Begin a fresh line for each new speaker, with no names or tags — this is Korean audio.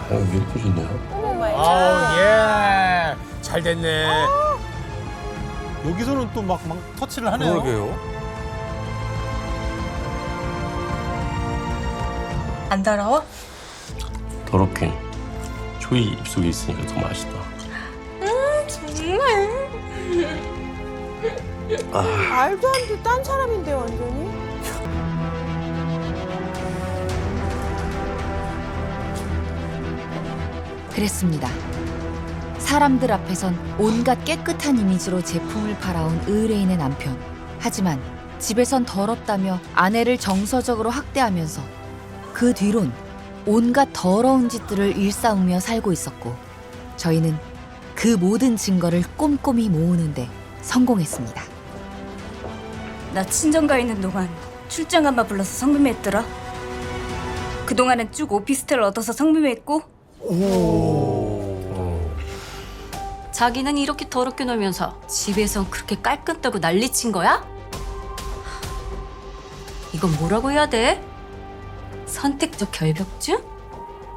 왜 이렇게 좋냐?
예. 잘 됐네.
여기서는 또 막 터치를 하네요.
그러게요.
안 더러워?
더럽긴. 초이 입속에 있으니까 더 맛있다.
정말.
말도 안 돼. 딴 사람인데 완전히.
그랬습니다. 사람들 앞에선 온갖 깨끗한 이미지로 제품을 팔아온 의뢰인의 남편. 하지만 집에선 더럽다며 아내를 정서적으로 학대하면서 그 뒤론 온갖 더러운 짓들을 일삼으며 살고 있었고 저희는 그 모든 증거를 꼼꼼히 모으는데 성공했습니다.
나 친정가 있는 동안 출장 한번 불러서 성매매했더라. 그동안은 쭉 오피스텔을 얻어서 성매매했고 자기는 이렇게 더럽게 놀면서 집에선 그렇게 깔끔 떨고 난리친 거야? 이건 뭐라고 해야 돼? 선택적 결벽증?